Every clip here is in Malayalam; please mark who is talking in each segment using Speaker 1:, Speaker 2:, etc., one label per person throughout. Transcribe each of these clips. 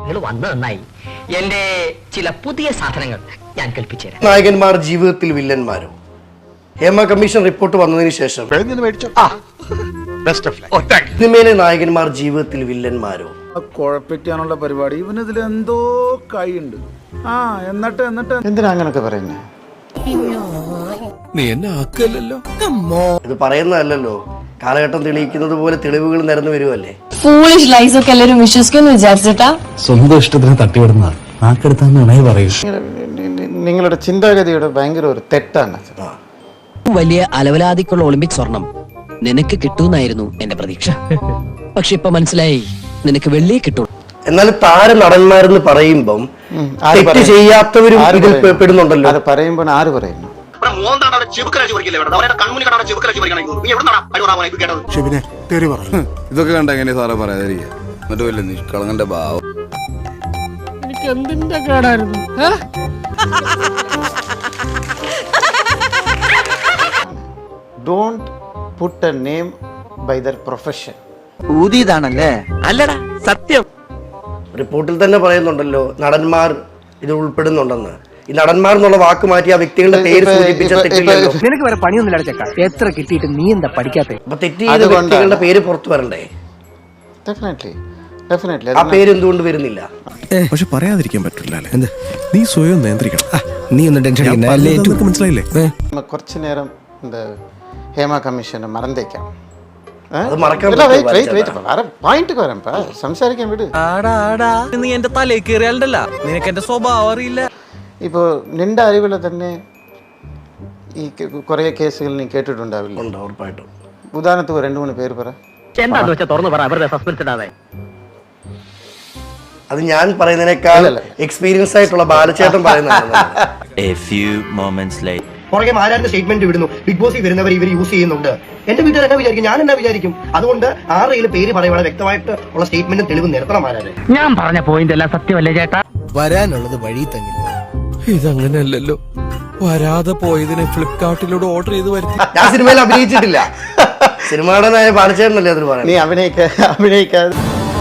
Speaker 1: നിങ്ങൾ വന്നു നന്നായി. എന്റെ ചില പുതിയ സാധനങ്ങൾ ഞാൻ കൽപ്പിച്ചു തരാം.
Speaker 2: നായകന്മാർ ജീവിതത്തിൽ വില്ലന്മാരോ? ഹേമ കമ്മീഷൻ റിപ്പോർട്ട് വന്നതിന് ശേഷം സിനിമയിലെ നായകന്മാർ ജീവിതത്തിൽ വില്ലന്മാരോ?
Speaker 3: കുഴപ്പിക്കാനുള്ള പരിപാടി ഇവനിതിൽ എന്തോ കൈയുണ്ട്. എന്നിട്ട്
Speaker 4: എന്തിനാ അങ്ങനൊക്കെ പറയുന്നത്?
Speaker 5: നീ എന്നെ ആക്കല്ലോ.
Speaker 2: ഇത് പറയുന്നതല്ലോ, കാലഘട്ടം തെളിയിക്കുന്നത് പോലെ തെളിവുകൾ നിരന്നു വരുമല്ലേ.
Speaker 6: ഫൂളിഷ് ലൈസ് ഒക്കെ എല്ലാവരും വിശ്വസിക്കുമെന്ന് വിചാരിച്ചിട്ടാ?
Speaker 7: സ്വന്തം ഇഷ്ടത്തിന് തട്ടിവിടുന്ന നാക്കെടുത്താന്ന് പറയൂ.
Speaker 4: നിങ്ങളുടെ ചിന്താഗതിയുടെ ഭയങ്കര ഒരു തെറ്റാണ്.
Speaker 1: വലിയ അലവലാതിക്കുള്ള ഒളിമ്പിക് സ്വർണം നിനക്ക് കിട്ടൂന്നായിരുന്നു എന്റെ പ്രതീക്ഷ. പക്ഷെ ഇപ്പൊ മനസ്സിലായി, നിനക്ക് വെള്ളിയെ കിട്ടൂ.
Speaker 2: എന്നാൽ താര നടന്മാരെന്ന് പറയുമ്പം തെറ്റ് ചെയ്യാത്തവരും ഇതിൽ പെടുന്നുണ്ടല്ലോ.
Speaker 4: അത് പറയുമ്പോൾ ആര് പറയുന്നു?
Speaker 3: ഇതൊക്കെ കണ്ട എങ്ങനെ സാറെ പറയാതിരിക്കുക. എന്നിട്ട് വല്ല നിഷ്കളങ്കന്റെ ഭാവം.
Speaker 5: എനിക്ക് എന്തിന്റെ കേടായിരുന്നു?
Speaker 4: Don't put a name by their profession.
Speaker 1: ഊതിയതാണല്ലേ? അല്ലടാ, സത്യം.
Speaker 2: റിപ്പോർട്ടിൽ തന്നെ പറയുന്നുണ്ടല്ലോ നടന്മാർ ഇത് ഉൾപ്പെടുന്നുണ്ടെന്ന്. ഈ നടന്മാർ എന്നുള്ള വാക്ക് മാറ്റി ആ വ്യക്തികളുടെ പേര് സൂചിപ്പിച്ച തെറ്റില്ലല്ലോ.
Speaker 1: നിനക്ക് വേറെ പണിയൊന്നും ചക്ക. എത്ര കിട്ടിയിട്ട് നീ എന്താ പഠിക്കാത്ത?
Speaker 2: അപ്പൊ തെറ്റ് ചെയ്ത വ്യക്തികളുടെ പേര് പുറത്തു വരണ്ടേ?
Speaker 4: Definitely.
Speaker 2: ആ പേര് എന്തുകൊണ്ട് വരുന്നില്ല?
Speaker 5: പക്ഷെ പറയാതിരിക്കാൻ പറ്റില്ല. നീ സ്വയം നിയന്ത്രിക്കണം. നീ ഒന്നും ടെൻഷൻ മനസ്സിലായില്ലേ?
Speaker 4: കുറച്ചു നേരം ഹേമ കമ്മീഷനെ മറന്നേക്കാം. പോയിന്റ് വരാം, സംസാരിക്കാൻ വിട്.
Speaker 8: നീ എന്റെ തലയിൽ കയറിയാലല്ല, നിനക്ക് എന്റെ സ്വഭാവം അറിയില്ല.
Speaker 4: ഇപ്പോ നിന്റെ അറിവിൽ തന്നെ ഈ കുറെ കേസുകൾ നീ കേട്ടിട്ടുണ്ടാവില്ല?
Speaker 2: ഉറപ്പായിട്ടും.
Speaker 4: ഉദാഹരണത്തിന് 2-3 പേര് പറ.
Speaker 1: എന്താന്ന് വെച്ചാൽ തുറന്നു പറ, അവരുടെ സസ്പെൻസ് ഇടാതെ.
Speaker 2: അത് ഞാൻ പറയുന്നതിനേക്കാൾ എക്സ്പീരിയൻസ് ആയിട്ടുള്ള ബാലചേട്ടൻ പറയുന്നതാണ്. പുറകെ മാരാന്റെ സ്റ്റേറ്റ്മെന്റ് വിടുന്നു. ബിഗ് ബോസിൽ വരുന്നവർ ഇവർ യൂസ് ചെയ്യുന്നുണ്ട്. എന്റെ വീട്ടുകാർ എന്നാ വിചാരിക്കും, ഞാൻ എന്നാ വിചാരിക്കും? അതുകൊണ്ട് ആരെയും പേര് പറയുവാണ് വ്യക്തമായിട്ട് ഉള്ള സ്റ്റേറ്റ്മെന്റും തെളിവ് നിർത്തണം മാരാരെ.
Speaker 1: ഞാൻ പറഞ്ഞ പോയിന്റ് എല്ലാം സത്യമല്ലേ ചേട്ടാ?
Speaker 5: വരാനുള്ളത് വഴി തങ്ങില്ല. ഇതങ്ങനെയല്ലല്ലോ. വരാതെ പോയതിനെ ഫ്ലിപ്കാർട്ടിലൂടെ ഓർഡർ ചെയ്ത് വരുത്തി.
Speaker 2: ഞാൻ സിനിമയിൽ അഭിനയിച്ചിട്ടില്ല. സിനിമയുടെ ബാലചേട്ടനല്ലേ അതിന് പറയാം.
Speaker 4: നീ അഭിനയിക്കാതെ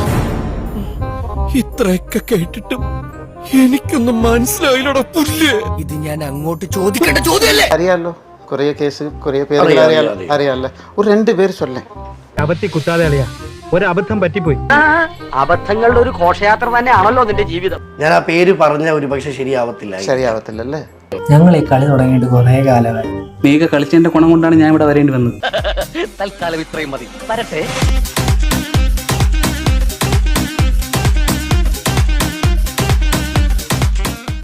Speaker 5: ഇത്രയൊക്കെ കേട്ടിട്ടും എനിക്കൊന്നും മനസ്സിലായില്ലട പുല്ല്. ഇത് ഞാൻ അങ്ങോട്ട് ചോദിക്കേണ്ട ചോദ്യമല്ലേ?
Speaker 4: അറിയാലോ, കുറെ കേസ്, കുറെ പേര് അറിയാലോ. ഒരു 2 പേര് ചൊല്ലേ.
Speaker 8: അബദ്ധി കുത്താതെ അളിയാ, ഒരു അബദ്ധം പറ്റിപ്പോയി.
Speaker 1: അബദ്ധങ്ങളുടെ ഒരു ഘോഷയാത്ര തന്നെയാണല്ലോ നിന്റെ ജീവിതം.
Speaker 2: ഞാൻ ആ പേര് പറഞ്ഞ ഒരു പക്ഷെ
Speaker 4: ശരിയാവത്തില്ലല്ലേ?
Speaker 9: ഞങ്ങൾ ഈ കളി തുടങ്ങിയിട്ട് കുറെ കാലമായി.
Speaker 7: നീക കളിച്ചതിന്റെ ഗുണം കൊണ്ടാണ് ഞാൻ ഇവിടെ വരേണ്ടി വന്നത്.
Speaker 1: തൽക്കാലം ഇത്രയും മതി. വരട്ടെ.